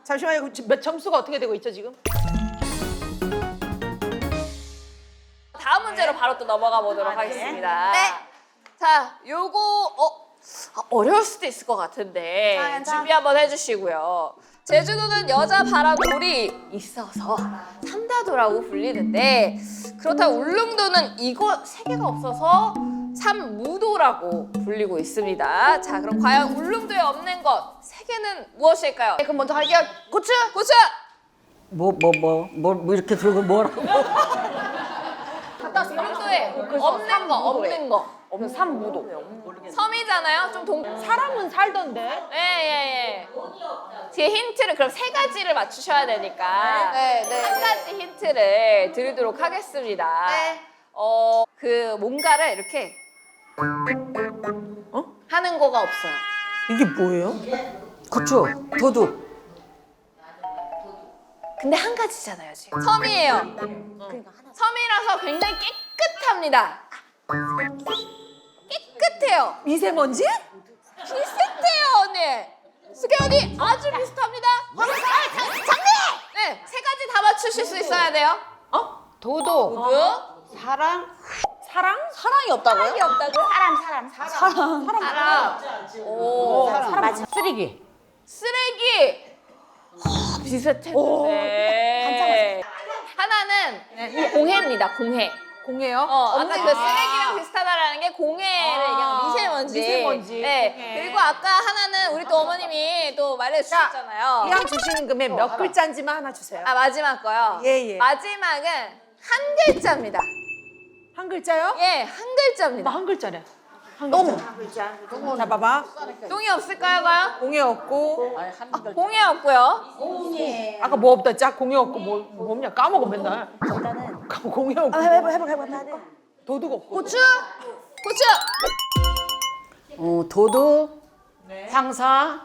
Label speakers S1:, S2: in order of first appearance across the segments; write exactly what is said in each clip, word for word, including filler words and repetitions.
S1: 잠시만요. 몇 점수가 어떻게 되고 있죠 지금?
S2: 다음 문제로 바로 또 넘어가 보도록 하겠습니다.
S3: 네.
S2: 자, 요거 어 아, 어려울 수도 있을 것 같은데
S3: 괜찮아, 괜찮아.
S2: 준비 한번 해주시고요. 제주도는 여자 바라돌이 있어서 삼다도라고 불리는데 그렇다고 울릉도는 이거 세 개가 없어서 삼무도라고 불리고 있습니다. 자, 그럼 과연 울릉도에 없는 것 세 개는 무엇일까요?
S3: 그럼 먼저 할게요. 고추.
S2: 고추!
S4: 뭐 뭐 뭐 뭐 뭐 이렇게 들고 뭐라고?
S2: 울릉도에 없는 거, 없는 거.
S3: 없는 삼무도.
S2: 섬이잖아요. 좀 동.
S1: 사람은 살던데.
S2: 예예예. 뒤에 힌트를 그럼 세 가지를 맞추셔야 되니까
S3: 네, 네,
S2: 한
S3: 네.
S2: 가지 힌트를 드리도록 하겠습니다.
S3: 네.
S2: 어, 그 뭔가를 이렇게
S1: 어?
S2: 하는 거가 없어요.
S1: 이게 뭐예요?
S4: 고추, 도둑.
S2: 근데 한 가지잖아요 지금. 섬이에요. 섬이라서 굉장히 깨끗합니다. 깨끗해요.
S1: 미세먼지?
S2: 비슷해요 언니. 수경 언니 아주 비슷합니다. 장미! 네, 세 가지 다 맞추실 수 있어야 돼요.
S1: 어?
S3: 도도.
S2: 누구?
S3: 사랑.
S1: 사랑?
S3: 사랑이 없다고요?
S2: 사랑이 없다고요?
S3: 사람 사람 사람. 사람.
S2: 사랑. 오.
S3: 사람. 맞아.
S4: 쓰레기.
S2: 쓰레기. 어, 비슷했는데. 하나는 공해입니다. 공해.
S1: 공해요?
S2: 어, 아까
S1: 없는
S2: 그
S1: 거.
S2: 쓰레기랑 비슷하다라는 게 공해를
S1: 아,
S2: 얘기하는 미세먼지.
S1: 미세먼지.
S2: 네.
S1: 공해.
S2: 그리고 아까 하나는 우리 또 어머님이 또 말해주셨잖아요.
S1: 이왕 주시는 금에 몇 글자인지만 하나 주세요.
S2: 아 마지막 거요.
S1: 예, 예.
S2: 마지막은 한 글자입니다.
S1: 한 글자요?
S2: 예, 한 글자입니다.
S1: 뭐 한 글자래.
S3: 똥.
S1: 자, 봐봐.
S2: 똥이 없을까요, 과연?
S1: 공해 없고.
S2: 공해 없고요.
S1: 아까 뭐 없다. 짝 공해 없고 뭐, 뭐 없냐? 까먹어 맨날.
S3: 일단은.
S1: 까먹어, 공해 없고.
S3: 해봐 해봐 해봐 해봐.
S1: 도둑 없고.
S2: 고추, 고추.
S4: 어, 도둑. 향사.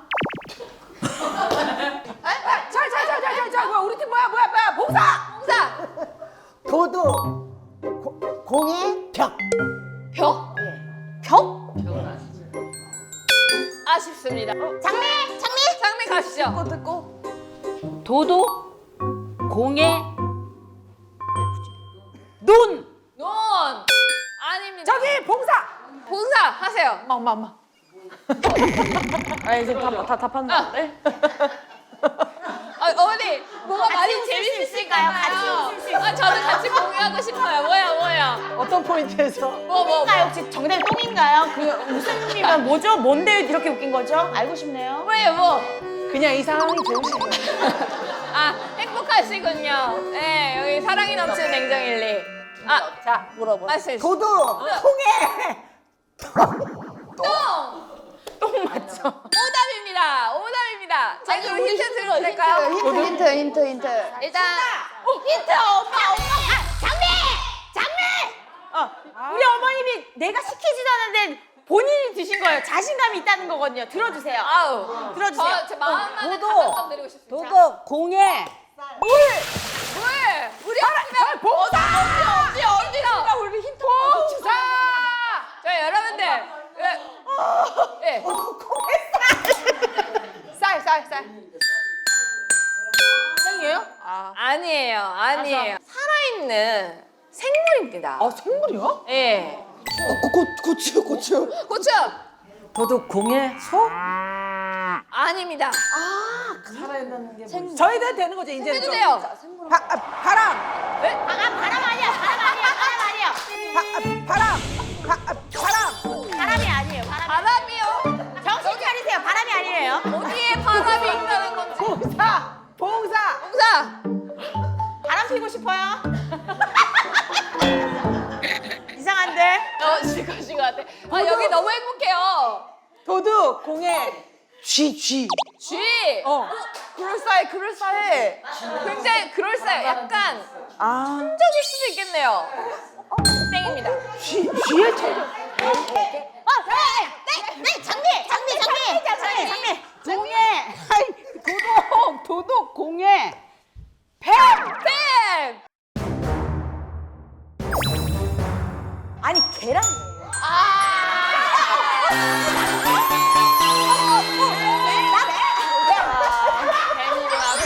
S1: 자, 자, 자, 자, 자, 자. 뭐야? 우리 팀 뭐야? 뭐야? 뭐야? 봉사!
S2: 봉사.
S4: 도둑. 고, 공에 벽.
S2: 벽?
S3: 벽?
S2: 아쉽습니다.
S3: 장미 장미.
S2: 장미 가시죠.
S3: 듣고 듣고.
S4: 도둑. 공에 눈.
S2: 논. 아닙니다.
S1: 저기 봉사!
S2: 봉사 하세요.
S1: 엄마, 엄마, 엄마.
S3: 아 이제 다다 답한다는데.
S2: 아, 어머니, 뭐가 많이 재밌으실까요? 같이 웃을 수 있어요. 아, 저는 같이 공유하고 싶어요. 뭐야, 뭐야.
S1: 어떤 포인트에서?
S2: 뭐, 뭐, 뭐.
S3: 똥인가요? 혹시 정답이 똥인가요? 그 웃음이면 뭐죠? 뭔데 이렇게 웃긴 거죠? 알고 싶네요.
S2: 뭐예요, 뭐.
S1: 그냥 이 상황이 좋으시죠.
S2: 아, 행복하시군요. 네, 여기 사랑이 넘치는 냉정일리. 아,
S3: 자 물어보.
S2: 말씀해 주세요.
S4: 도둑. 공에
S2: 똥!
S3: 똥 맞죠?
S2: 오답입니다. 오답입니다. 자, 그럼 힌트 드려도 될까요?
S3: 힌트 힌트 힌트 힌트.
S2: 일단,
S3: 힌트 엄마 엄마. 아, 장미 장미. 어 우리 어머님이 내가 시키지도 않았는데 본인이 드신 거예요. 자신감이 있다는 거거든요. 들어주세요.
S2: 아우.
S3: 들어주세요.
S2: 저, 제 마음만은
S4: 도둑.
S2: 답변 드리고 싶습니다.
S4: 도둑. 공에
S2: 물! 우리 없으면
S1: 봉사!
S2: 어디, 어디, 어디로?
S1: 우리 힌트 봉사!
S2: 자, 여러분들. 예. 예.
S1: 쌀, 쌀, 쌀. 땡이에요?
S2: 아, 아니에요. 아니에요. 살아있는 생물입니다.
S1: 아, 생물이요?
S2: 예.
S4: 고, 고추 고추.
S2: 고추!
S4: 도둑 공에 소?
S2: 아닙니다.
S1: 저희가 되는 거죠, 이제.
S2: 해주세요.
S1: 바, 아, 바람!
S2: 네?
S3: 아 바람 아니야 바람 아니야 바람 아니야.
S1: 바, 아, 바람! 바, 아, 바람!
S3: 바람이 아니에요. 바람.
S2: 바람이요?
S3: 정신 차리세요. 바람이 아니에요.
S2: 어디에 바람이 있다는 건지.
S1: 봉사! 봉사!
S2: 봉사!
S3: 바람 피고 싶어요? 이상한데?
S2: 어, 지금 지금 같아. 아, 여기 너무 행복해요.
S1: 도둑! 공에 쥐, 쥐.
S2: 쥐!
S1: 어. 그럴싸해, 그럴싸해.
S2: 굉장히 그럴싸해요. 약간
S1: 아,
S2: 천적일 수도 있겠네요. 땡입니다.
S1: 쥐, 쥐의 천적.
S3: 어, 네, 네, 네, 장미, 장미, 장미, 장미, 장미.
S4: 공에 아이 도둑 도둑 공에
S2: 뱀! 뱀!
S3: 아니 계란.
S2: 뱀이구나,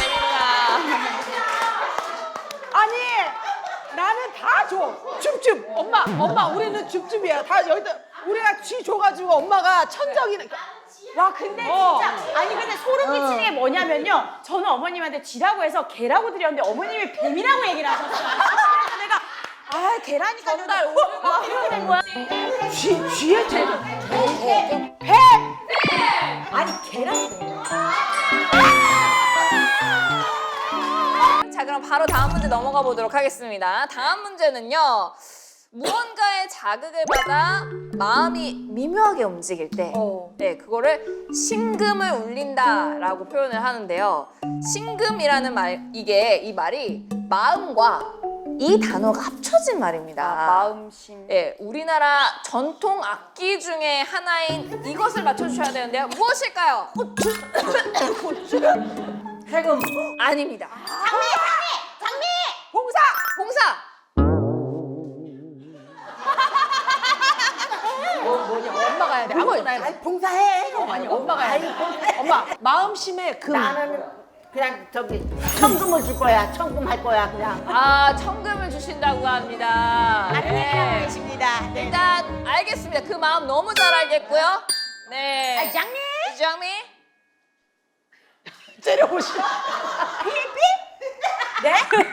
S1: 엄마 우리는 줍줍이야. 다 여기다 우리가 쥐 줘가지고 엄마가 천적이니까.
S3: 와 근데
S1: 어.
S3: 진짜 아니 근데 소름 끼치는 게 뭐냐면요. 저는 어머님한테 쥐라고 해서 개라고 드렸는데 어머님이 뱀이라고 얘기를 하셨어요. 그래서 내가 아 개라니까
S2: 정말
S3: 어, 어, 이렇게 된 거야.
S1: 쥐 쥐의 제.
S3: 뱀! 아니 개라니까.
S2: 자, 그럼 바로 다음 문제 넘어가 보도록 하겠습니다. 다음 문제는요. 무언가의 자극을 받아 마음이 미묘하게 움직일 때,
S1: 어.
S2: 네, 그거를 심금을 울린다라고 표현을 하는데요. 심금이라는 말, 이게 이 말이 마음과 이 단어가 합쳐진 말입니다.
S3: 마음심.
S2: 예, 우리나라 전통 악기 중에 하나인 이것을 맞춰주셔야 되는데요. 무엇일까요?
S4: 해금.
S2: 아닙니다.
S3: 장미 장미 장미.
S1: 봉사.
S2: 봉사.
S1: 뭐 뭐냐 엄마가 해야 돼. 아무거나 해야 돼.
S5: 봉사해.
S1: 아니 엄마가 해야 돼. 엄마 마음심의 금.
S5: 나는 그냥 저기 천금을 줄 거야. 천금 할 거야 그냥.
S2: 아, 천금을 주신다고 합니다. 네.
S3: 계십니다. 네.
S2: 일단 알겠습니다. 그 마음 너무 잘 알겠고요. 네.
S3: 아, 장미.
S2: 장미.
S1: 째려보시오.
S3: 네?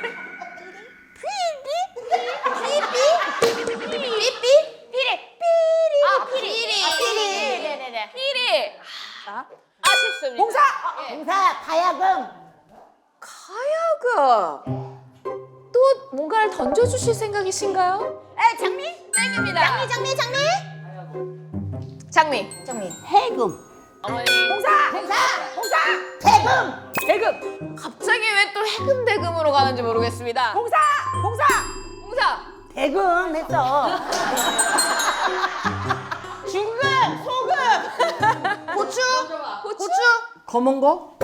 S3: 삐삐 피리 피리
S2: 아,
S3: 피리
S2: 피리.
S3: 아, 피리 네네네.
S2: 피리. 아, 아쉽습니다.
S1: 봉사.
S2: 예.
S5: 봉사 가야금.
S2: 가야금. 또 뭔가를 던져주실 생각이신가요?
S3: 에 장미
S2: 땡입니다.
S3: 장미 장미
S2: 장미.
S3: 장미
S5: 해금.
S2: 어머니.
S1: 봉사. 봉사. 봉사.
S5: 해금.
S1: 대금.
S2: 갑자기 왜 또 해금대금으로 가는지 모르겠습니다.
S1: 봉사. 봉사.
S2: 봉사.
S5: 대금 했어.
S3: 중금 소금
S2: 고추. 고추.
S4: 검은 거?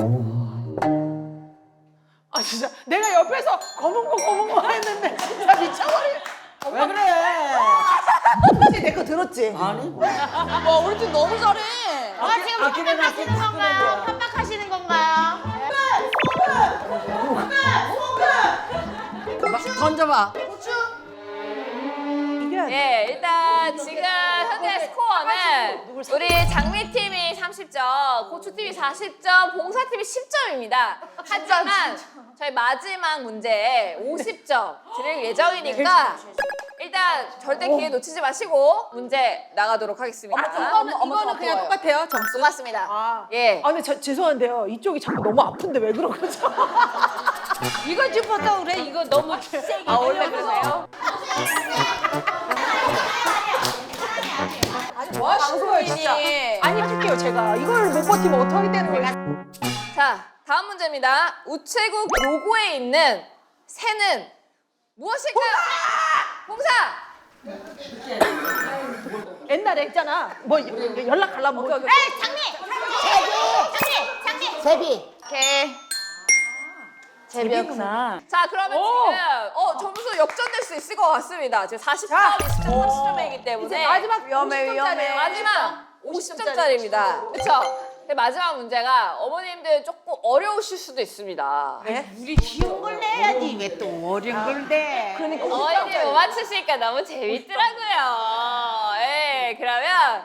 S1: 아 진짜 내가 옆에서 검은 거 검은 거 했는데 진짜 미쳐버리네.
S5: 왜 그래?
S1: 혹시 내 거 들었지?
S5: 아니.
S2: 와, 우리 팀 너무 잘해.
S3: 아 지금
S5: 아끼는
S3: 협박하시는
S5: 아끼는
S3: 건가요?
S5: 아끼는
S3: 협박하시는 건가요?
S4: 던져봐.
S2: 고추.
S1: 이겨야 돼.
S2: 예, 일단 지금 현재 스코어는 우리 장미팀이 삼십 점, 고추팀이 사십 점, 봉사팀이 십 점입니다. 하지만 저희 마지막 문제에 오십 점 드릴 예정이니까 일단 절대 기회 놓치지 마시고 문제 나가도록 하겠습니다.
S1: 이거는 이거는 그냥 똑같아요 점수.
S2: 똑같습니다.
S1: 아.
S2: 예.
S1: 아 근데 저, 죄송한데요 이쪽이 자꾸 너무 아픈데 왜 그런 거죠?
S3: 이거 짚었다 그래 이거 너무 세게
S2: 아, 원래 그러세요?
S1: 아니 뭐 하시는 거예요 진짜?
S2: 방송인이.
S1: 아니 할게요 제가 이걸 못 버티면 어떻게 되는 거예요?
S2: 자, 다음 문제입니다. 우체국 로고에 있는 새는 무엇일까요? 봉사!
S1: 옛날에 했잖아 뭐 연락하려면 뭐
S3: 에 장미 장미 장미
S5: 제비.
S2: 오케이.
S3: 제비구나.
S2: 자, 그러면
S1: 오.
S2: 지금 어, 점수 역전될 수 있을 것 같습니다. 지금 사십 점,
S1: 자.
S2: 이십 점, 삼십 점이기 때문에
S1: 이제 마지막
S3: 위험해, 위험해.
S2: 마지막 오십 점짜리입니다. 그렇죠? 마지막 문제가 어머님들 조금 어려우실 수도 있습니다.
S5: 우리 쉬운 걸 내야지 왜 또 어려운 걸 내?
S1: 그러니까
S2: 어머님이 못 맞추시니까 너무 재밌더라고요. 예, 그러면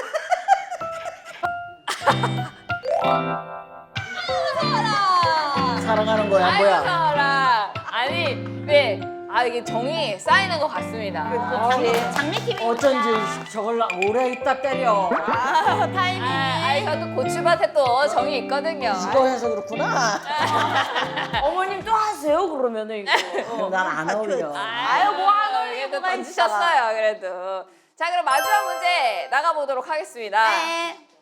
S2: 무서워라.
S5: 사랑하는 거야
S2: 아이고,
S5: 뭐야?
S2: 무서워라. 아니, 네. 아, 이게 정이 쌓이는 것 같습니다.
S3: 장미팀이
S4: 어쩐지 저걸 오래 있다 때려.
S3: 아 타이밍.
S2: 아, 아니, 저도 고추밭에 또 정이 있거든요.
S5: 이거 해서 그렇구나.
S3: 어머님 또 하세요 그러면은 이거.
S5: 난 안 어울려.
S2: 아유, 뭐 하고 그래도 던지셨어요, 그래도. 자, 그럼 마지막 문제 나가보도록 하겠습니다.
S3: 네.